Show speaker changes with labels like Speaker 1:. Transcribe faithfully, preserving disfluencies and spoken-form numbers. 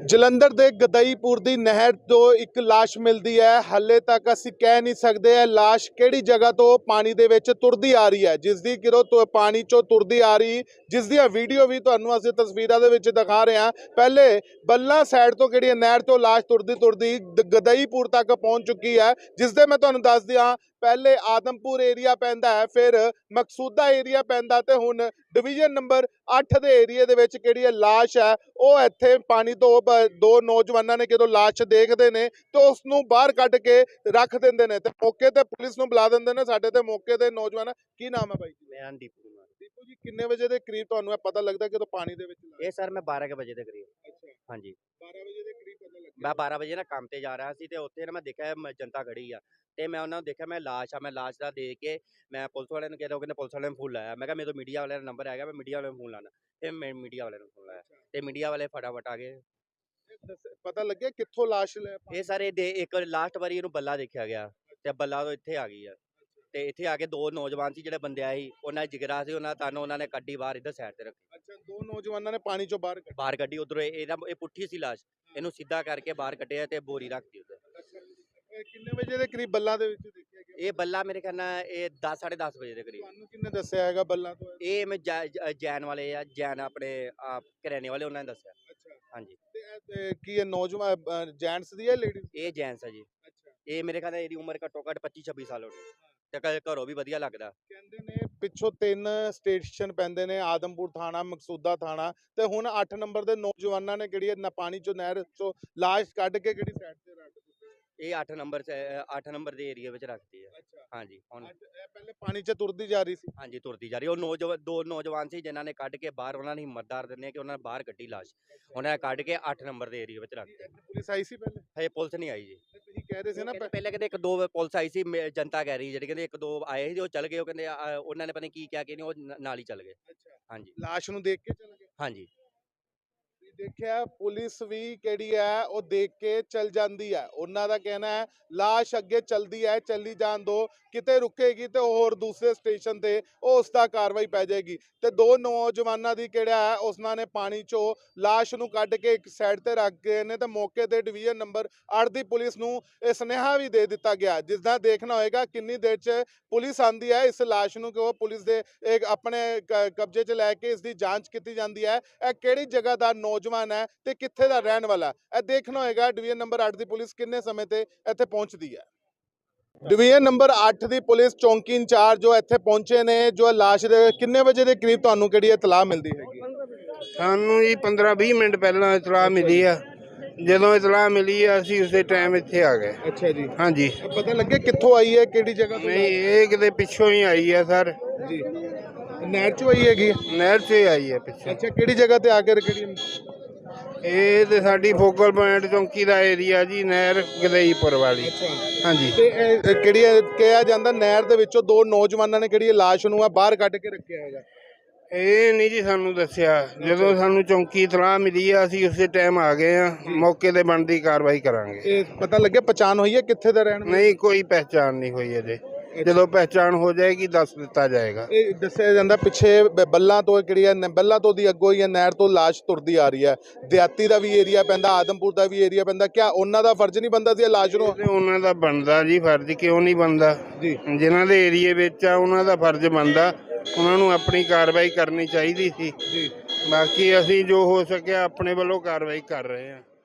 Speaker 1: ਜਲੰਧਰ ਦੇ ਗਦਈਪੁਰ ਦੀ ਨਹਿਰ ਤੋਂ ਇੱਕ ਲਾਸ਼ ਮਿਲਦੀ ਹੈ। ਹਾਲੇ ਤੱਕ ਅਸੀਂ ਕਹਿ ਨਹੀਂ ਸਕਦੇ ਇਹ ਲਾਸ਼ ਕਿਹੜੀ ਜਗ੍ਹਾ ਤੋਂ ਪਾਣੀ ਦੇ ਵਿੱਚ ਤੁਰਦੀ ਆ ਰਹੀ ਹੈ, ਜਿਸ ਦੀ ਕਿਰੋ ਤੋਂ ਪਾਣੀ ਚੋਂ ਤੁਰਦੀ ਆ ਰਹੀ, ਜਿਸ ਦੀਆਂ ਵੀਡੀਓ ਵੀ ਤੁਹਾਨੂੰ ਅਸੀਂ ਤਸਵੀਰਾਂ ਦੇ ਵਿੱਚ ਦਿਖਾ ਰਹੇ ਹਾਂ। ਪਹਿਲੇ ਬੱਲਾ ਸਾਈਡ ਤੋਂ ਕਿਹੜੀ ਨਹਿਰ ਤੋਂ ਲਾਸ਼ ਤੁਰਦੀ ਤੁਰਦੀ ਗਦਈਪੁਰ ਤੱਕ ਪਹੁੰਚ ਚੁੱਕੀ ਹੈ, ਜਿਸ ਦੇ ਮੈਂ ਤੁਹਾਨੂੰ ਦੱਸ ਦਿਆਂ ਪਹਿਲੇ ਆਦਮਪੁਰ ਏਰੀਆ ਪੈਂਦਾ है, फिर मकसूदा एरिया पैंदा ते हुण डिवीजन नंबर अठ दे एरिए दे विच किहड़ी है लाश है ਉਹ ਇੱਥੇ पानी तो दो नौजवानों ने ਜਦੋਂ ਲਾਸ਼ ਦੇਖਦੇ ਨੇ तो उसनूं बाहर ਕੱਢ के रख ਦਿੰਦੇ ਨੇ ਤੇ मौके ਤੇ ਪੁਲਿਸ ਨੂੰ ਬੁਲਾ ਦਿੰਦੇ ਨੇ। ਸਾਡੇ ਤੇ ਮੌਕੇ ਤੇ ਨੌਜਵਾਨ ਕੀ ਨਾਮ ਹੈ ਬਾਈ?
Speaker 2: ਮੈਂ ਦੀਪੂ ਕੁਮਾਰ।
Speaker 1: ਦੀਪੂ ਜੀ, ਕਿੰਨੇ ਵਜੇ ਦੇ ਕਰੀਬ ਤੁਹਾਨੂੰ ਇਹ ਪਤਾ ਲੱਗਦਾ ਕਿ ਪਾਣੀ ਦੇ ਵਿੱਚ
Speaker 2: ਇਹ ਸਰ ਮੈਂ ਬਾਰਾਂ ਵਜੇ ਦੇ ਕਰੀਬ।
Speaker 1: ਅੱਛਾ,
Speaker 2: ਹਾਂਜੀ
Speaker 1: ਬਾਰਾਂ ਵਜੇ ਦੇ ਕਰੀਬ ਪਤਾ ਲੱਗਿਆ।
Speaker 2: ਮੈਂ ਬਾਰਾਂ ਵਜੇ ਨਾ ਕੰਮ ਤੇ ਜਾ ਰਿਹਾ ਸੀ ਤੇ ਉੱਥੇ ਨਾ ਮੈਂ ਦੇਖਿਆ ਜਨਤਾ ਖੜੀ ਆ ਤੇ ਮੈਂ ਉਹਨਾਂ ਨੂੰ ਦੇਖਿਆ, ਮੈਂ ਲਾਸ਼ ਆ, ਮੈਂ ਲਾਸ਼ ਦਾ ਦੇਖ ਕੇ ਮੈਂ ਪੁਲਿਸ ਵਾਲਿਆਂ ਨੂੰ ਕਿਹਾ, ਉਹ ਕਹਿੰਦੇ ਪੁਲਿਸ ਵਾਲਿਆਂ ਨੂੰ ਫੋਨ ਲਾਇਆ। ਮੈਂ ਕਿਹਾ ਮੇਰੇ ਤੋਂ ਮੀਡੀਆ ਵਾਲਿਆਂ ਦਾ ਨੰਬਰ ਹੈਗਾ, ਮੈਂ ਮੀਡੀਆ ਵਾਲਿਆਂ ਨੂੰ ਫੋਨ ਲਾਣਾ ਤੇ ਮੈਂ ਮੀਡੀਆ ਵਾਲਿਆਂ ਨੂੰ ਫੋਨ ਲਾਇਆ ਤੇ ਮੀਡੀਆ ਵਾਲੇ ਫਟਾਫਟ ਆ ਗਏ।
Speaker 1: ਪਤਾ ਲੱਗਿਆ ਕਿੱਥੋਂ ਲਾਸ਼ ਲੈ?
Speaker 2: ਇਹ ਸਾਰੇ ਦੇ ਇੱਕ ਲਾਸਟ ਵਾਰੀ ਇਹਨੂੰ ਬੱਲਾ ਦੇਖਿਆ ਗਿਆ ਤੇ ਬੱਲਾ ਤੋਂ ਇੱਥੇ ਆ ਗਈ ਆ ਤੇ ਇੱਥੇ ਆ ਕੇ ਦੋ ਨੌਜਵਾਨ ਸੀ ਜਿਹੜੇ ਬੰਦੇ ਆਏ ਸੀ, ਉਹਨਾਂ ਦਾ ਜਿਗਰਾ ਸੀ, ਉਹਨਾਂ ਤੁਹਾਨੂੰ ਉਹਨਾਂ ਨੇ ਕੱਢੀ ਬਾਹਰ ਇੱਧਰ ਸਾਈਡ ਤੇ ਰੱਖੀ।
Speaker 1: ਅੱਛਾ, ਦੋ ਨੌਜਵਾਨਾਂ ਨੇ ਪਾਣੀ ਚੋਂ ਬਾਹਰ
Speaker 2: ਬਾਹਰ ਕੱਢੀ ਉਧਰੋਂ। ਇਹਦਾ ਇਹ ਪੁੱਠੀ ਸੀ ਲਾਸ਼, ਇਹਨੂੰ ਸਿੱਧਾ ਕਰਕੇ ਬਾਹਰ ਕੱਢਿਆ ਤੇ ਬੋਰੀ ਰੱਖਦੀ ਉੱਧਰ।
Speaker 1: ਕਿੰਨੇ ਵਜੇ ਦੇ ਕਰੀਬ ਬੱਲਾ ਦੇ ਵਿੱਚ ਦੇਖਿਆ ਗਿਆ?
Speaker 2: ਇਹ ਬੱਲਾ ਮੇਰੇ ਖਿਆਲ ਨਾਲ ਇਹ ਦਸ ਸਾਢੇ ਦਸ ਵਜੇ ਦੇ ਕਰੀਬ।
Speaker 1: ਤੁਹਾਨੂੰ ਕਿੰਨੇ ਦੱਸਿਆ ਹੈਗਾ ਬੱਲਾ ਤੋਂ?
Speaker 2: ਇਹ ਮੈਂ ਜੈਨ ਵਾਲੇ ਆ, ਜੈਨ ਆਪਣੇ ਕਰਿਆਨੇ ਵਾਲੇ, ਉਹਨਾਂ ਨੇ ਦੱਸਿਆ।
Speaker 1: ਅੱਛਾ,
Speaker 2: ਹਾਂਜੀ।
Speaker 1: ਤੇ ਕੀ ਇਹ ਨੌਜਵਾਨ ਜੈਂਟਸ ਦੀ ਹੈ ਲੇਡੀਜ਼?
Speaker 2: ਇਹ ਜੈਂਟਸ ਆ ਜੀ।
Speaker 1: ਅੱਛਾ,
Speaker 2: ਇਹ ਮੇਰੇ ਖਿਆਲ ਨਾਲ ਇਹਦੀ ਉਮਰ ਘੱਟੋ ਘੱਟ ਪੱਚੀ ਛੱਬੀ ਸਾਲ ਹੋਣੀ ਤੇ ਘਰੋਂ ਵੀ ਵਧੀਆ ਲੱਗਦਾ।
Speaker 1: ਕਹਿੰਦੇ ਨੇ ਪਿੱਛੋਂ ਤਿੰਨ ਸਟੇਸ਼ਨ ਪੈਂਦੇ ਨੇ, ਆਦਮਪੁਰ ਥਾਣਾ, ਮਕਸੂਦਾ ਥਾਣਾ ਤੇ ਹੁਣ ਅੱਠ ਨੰਬਰ ਦੇ ਨੌਜਵਾਨਾਂ ਨੇ ਕਿਹੜੀ ਨਾ ਪਾਣੀ ਚੋਂ ਨਹਿਰ ਚੋਂ ਲਾਸ਼ ਕੱਢ ਕੇ ਕਿਹੜੀ ਸਾਈਡ ਤੇ ਰੱਖ ਦਿੱਤੀ।
Speaker 2: ਇਹ ਅੱਠ ਨੰਬਰ ਚ ਅੱਠ ਨੰਬਰ ਦੇ ਏਰੀਆ ਵਿੱਚ ਰੱਖਦੀ ਹੈ। ਹਾਂਜੀ। ਹੁਣ
Speaker 1: ਇਹ ਪਹਿਲੇ ਪਾਣੀ 'ਚ ਤੁਰਦੀ ਜਾ ਰਹੀ ਸੀ।
Speaker 2: ਹਾਂਜੀ, ਤੁਰਦੀ ਜਾ ਰਹੀ। ਉਹ ਨੌਜਵਾਨ ਦੋ ਨੌਜਵਾਨ ਸੀ ਜਿਨ੍ਹਾਂ ਨੇ ਕੱਢ ਕੇ ਬਾਹਰ, ਉਹਨਾਂ ਨੇ ਹਿੰਮਤਦਾਰ ਦਿੰਦੇ ਆ ਕਿ ਉਹਨਾਂ ਨੇ ਬਾਹਰ ਕੱਢੀ ਲਾਸ਼, ਉਹਨਾਂ ਨੇ ਕੱਢ ਕੇ ਅੱਠ ਨੰਬਰ ਦੇ ਏਰੀਆ ਵਿੱਚ ਰੱਖਤੀ।
Speaker 1: ਪੁਲਿਸ ਆਈ ਸੀ ਪਹਿਲੇ?
Speaker 2: ਹਜੇ ਪੁਲਿਸ ਨਹੀਂ ਆਈ ਜੀ।
Speaker 1: ਤੁਸੀਂ ਕਹਿ ਰਹੇ ਸੀ ਨਾ
Speaker 2: ਪਹਿਲੇ ਕਹਿੰਦੇ ਇੱਕ ਦੋ ਪੁਲਿਸ ਆਈ ਸੀ, ਜਨਤਾ ਕਹਿ ਰਹੀ ਜਿਹੜੀ ਕਹਿੰਦੇ ਇੱਕ ਦੋ ਆਏ ਸੀ, ਉਹ ਚਲ ਗਏ। ਉਹ ਕਹਿੰਦੇ ਉਹਨਾਂ ਨੇ ਪਤਾ ਨਹੀਂ ਕੀ ਕਿਹਾ ਕਿ ਨਹੀਂ, ਉਹ ਨਾਲ ਹੀ ਚਲ ਗਏ। ਹਾਂਜੀ,
Speaker 1: ਲਾਸ਼ ਨੂੰ ਦੇਖ ਕੇ ਚਲੇ ਗਏ।
Speaker 2: ਹਾਂਜੀ
Speaker 1: ਦੇਖਿਆ, ਪੁਲਿਸ ਵੀ ਕਿਹੜੀ ਹੈ ਉਹ ਦੇਖ ਕੇ ਚਲ ਜਾਂਦੀ ਹੈ। ਉਹਨਾਂ ਦਾ ਕਹਿਣਾ ਹੈ ਲਾਸ਼ ਅੱਗੇ ਚਲਦੀ ਹੈ, ਚੱਲੀ ਜਾਣ ਦੋ, ਕਿਤੇ ਰੁਕੇਗੀ ਤੇ ਹੋਰ ਦੂਸਰੇ ਸਟੇਸ਼ਨ ਤੇ ਉਹ ਉਸ ਦਾ ਕਾਰਵਾਈ ਪੈ ਜਾਏਗੀ। ਤੇ ਦੋ ਨੌਜਵਾਨਾਂ ਦੀ ਕਿਹੜਾ ਹੈ ਉਸਨਾਂ ਨੇ ਪਾਣੀ ਚੋਂ ਲਾਸ਼ ਨੂੰ ਕੱਢ ਕੇ ਇੱਕ ਸਾਈਡ ਤੇ ਰੱਖ ਗਏ ਨੇ ਤੇ ਮੌਕੇ ਤੇ ਡਿਵੀਜ਼ਨ ਨੰਬਰ ਅੱਠ ਦੀ ਪੁਲਿਸ ਨੂੰ ਇਹ ਸੁਨੇਹਾ ਵੀ ਦੇ ਦਿੱਤਾ ਗਿਆ, ਜਿਸ ਦਾ ਦੇਖਣਾ ਹੋਏਗਾ ਕਿੰਨੀ ਦੇਰ 'ਚ ਪੁਲਿਸ ਆਂਦੀ ਹੈ ਇਸ ਲਾਸ਼ ਨੂੰ ਕਿ ਉਹ ਪੁਲਿਸ ਦੇ ਇੱਕ ਆਪਣੇ ਕਬਜ਼ੇ 'ਚ ਲੈ ਕੇ ਇਸ ਦੀ ਜਾਂਚ ਕੀਤੀ ਜਾਂਦੀ ਹੈ। ਇਹ ਕਿਹੜੀ ਜਗ੍ਹਾ ਦਾ ਨੌਜਵਾਨ ਹੈ ਤੇ ਕਿੱਥੇ ਦਾ ਰਹਿਣ ਵਾਲਾ, ਇਹ ਦੇਖਣਾ ਹੋਏਗਾ ਡਿਵੀਜ਼ਨ ਨੰਬਰ ਅੱਠ ਦੀ ਪੁਲਿਸ ਕਿੰਨੇ ਸਮੇਂ ਤੇ ਇੱਥੇ ਪਹੁੰਚਦੀ ਹੈ। ਡਿਵੀਜ਼ਨ ਨੰਬਰ ਅੱਠ ਦੀ ਪੁਲਿਸ ਚੌਂਕੀ ਇੰਚਾਰਜ ਜੋ ਇੱਥੇ ਪਹੁੰਚੇ ਨੇ, ਜੋ ਲਾਸ਼ ਦੇ ਕਿੰਨੇ ਵਜੇ ਦੇ ਕਰੀਬ ਤੁਹਾਨੂੰ ਕਿਹੜੀ ਇਤਲਾਹ ਮਿਲਦੀ ਹੈਗੀ?
Speaker 3: ਸਾਨੂੰ ਜੀ ਪੰਦਰਾਂ ਵੀਹ ਮਿੰਟ ਪਹਿਲਾਂ ਇਤਲਾਹ ਮਿਲੀ ਆ। ਜਦੋਂ ਇਤਲਾਹ ਮਿਲੀ ਆ ਅਸੀਂ ਉਸੇ ਟਾਈਮ ਇੱਥੇ ਆ ਗਏ।
Speaker 1: ਅੱਛਾ ਜੀ।
Speaker 3: ਹਾਂਜੀ।
Speaker 1: ਪਤਾ ਲੱਗਿਆ ਕਿੱਥੋਂ ਆਈ ਹੈ, ਕਿਹੜੀ ਜਗ੍ਹਾ ਤੋਂ?
Speaker 3: ਨਹੀਂ, ਇਹ ਕਿਤੇ ਪਿੱਛੋਂ ਹੀ ਆਈ ਆ ਸਰ
Speaker 1: ਜੀ। ਨਹਿਰ ਚੋਂ ਆਈ ਹੈਗੀ?
Speaker 3: ਨਹਿਰ 'ਚ ਆਈ ਹੈ ਪਿੱਛੇ।
Speaker 1: ਅੱਛਾ, ਕਿਹੜੀ ਜਗ੍ਹਾ ਤੇ ਆ ਕੇ ਕਿਹੜੀ?
Speaker 3: ਇਹ ਤੇ ਸਾਡੀ ਫੋਕਲ ਪੁਆਇੰਟ ਚੌਂਕੀ ਦਾ ਏਰੀਆ ਜੀ, ਨਹਿਰ ਗਦਈਪੁਰ ਵਾਲੀ। ਹਾਂਜੀ।
Speaker 1: ਤੇ ਇਹ ਕਿਹੜੀ ਕਿਹਾ ਜਾਂਦਾ ਨਹਿਰ ਦੇ ਵਿੱਚੋਂ ਦੋ ਨੌਜਵਾਨਾਂ ਨੇ ਕਿਹੜੀ ਲਾਸ਼ ਨੂੰ ਆ ਬਾਹਰ ਕੱਢ ਕੇ ਰੱਖਿਆ ਹੈਗਾ?
Speaker 3: ਇਹ ਨਹੀਂ ਜੀ ਸਾਨੂੰ ਦੱਸਿਆ। ਜਦੋਂ ਸਾਨੂੰ ਚੌਂਕੀ ਇਤਲਾਹ ਮਿਲੀ ਆ ਅਸੀਂ ਉਸੇ ਟਾਈਮ ਆ ਗਏ ਆ, ਮੌਕੇ ਤੇ ਬਣਦੀ ਕਾਰਵਾਈ ਕਰਾਂਗੇ।
Speaker 1: ਇਹ ਪਤਾ ਲੱਗਿਆ ਪਛਾਣ ਹੋਈ ਹੈ ਕਿੱਥੇ ਦਾ ਰਹਿਣ?
Speaker 3: ਨਹੀਂ, ਕੋਈ ਪਹਿਚਾਣ ਨਹੀਂ ਹੋਈ ਅਜੇ। ਜਦੋਂ ਪਹਿਚਾਣ ਹੋ ਜਾਏਗੀ ਦੱਸ ਦਿੱਤਾ ਜਾਏਗਾ।
Speaker 1: ਇਹ ਦੱਸਿਆ ਜਾਂਦਾ ਪਿੱਛੇ ਬੱਲਾਂ ਤੋਂ ਕਿਹੜੀ ਹੈ, ਬੱਲਾਂ ਤੋਂ ਦੀ ਅੱਗੋਂ ਹੀ ਨਹਿਰ ਤੋਂ ਲਾਸ਼ ਤੁਰਦੀ ਆ ਰਹੀ ਹੈ। ਦਿਹਾਤੀ ਦਾ ਵੀ ਏਰੀਆ ਪੈਂਦਾ, ਆਦਮਪੁਰ ਦਾ ਵੀ ਏਰੀਆ ਪੈਂਦਾ। ਕਿਆ ਉਹਨਾਂ ਦਾ ਫਰਜ਼ ਨਹੀਂ ਬਣਦਾ ਸੀ ਲਾਸ਼ ਨੂੰ?
Speaker 3: ਉਹਨਾਂ ਦਾ ਬਣਦਾ ਜੀ ਫਰਜ਼, ਕਿਉਂ ਨਹੀਂ ਬਣਦਾ ਜੀ? ਜਿਨ੍ਹਾਂ ਦੇ ਏਰੀਏ ਵਿੱਚ ਆ ਉਹਨਾਂ ਦਾ ਫਰਜ਼ ਬਣਦਾ, ਉਹਨਾਂ ਨੂੰ ਆਪਣੀ ਕਾਰਵਾਈ ਕਰਨੀ ਚਾਹੀਦੀ ਸੀ ਜੀ। ਬਾਕੀ ਅਸੀਂ ਜੋ ਹੋ ਸਕਿਆ ਆਪਣੇ ਵੱਲੋਂ ਕਾਰਵਾਈ ਕਰ ਰਹੇ ਹਾਂ।